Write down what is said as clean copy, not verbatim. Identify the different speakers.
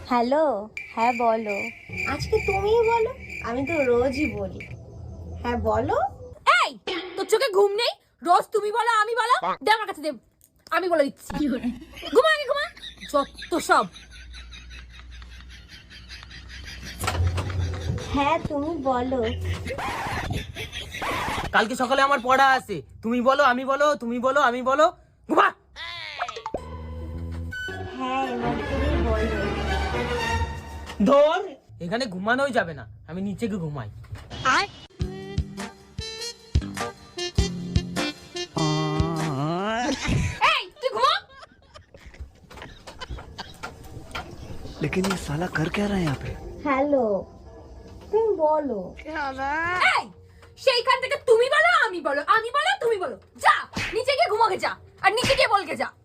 Speaker 1: Hello, হ্যাঁ বলো।
Speaker 2: আজকে তুমিই বলো, আমি তো রোজই বলি। হ্যাঁ বলো।
Speaker 3: এই তোর চোখে ঘুম নেই? রোজ তুমি বলো আমি বলো। দে আমার কাছে দে, আমি বলে দিচ্ছি। ঘুমা আগে ঘুমা, যত সব।
Speaker 2: হ্যাঁ তুমি বলো।
Speaker 4: কালকে সকালে আমার পড়া আছে, তুমি বলো আমি বলো, তুমি বলো আমি বলো। ঘুমা।
Speaker 2: হ্যাঁ এবার তুমি বলো।
Speaker 4: ধর, এখানে ঘুমানোই যাবে না, আমি নিচে গিয়ে ঘুমাই।
Speaker 3: এই তুই ঘুমা।
Speaker 5: लेकिन ये साला कर क्या रहा है यहाँ पे?
Speaker 2: হ্যালো তুমি বলো।
Speaker 3: এই সেইখান থেকে তুমি বলো আমি বলো, আমি বলো তুমি বলো। যা নিচে গিয়ে ঘুমাকে যা, আর নিচে গিয়ে বলকে যা।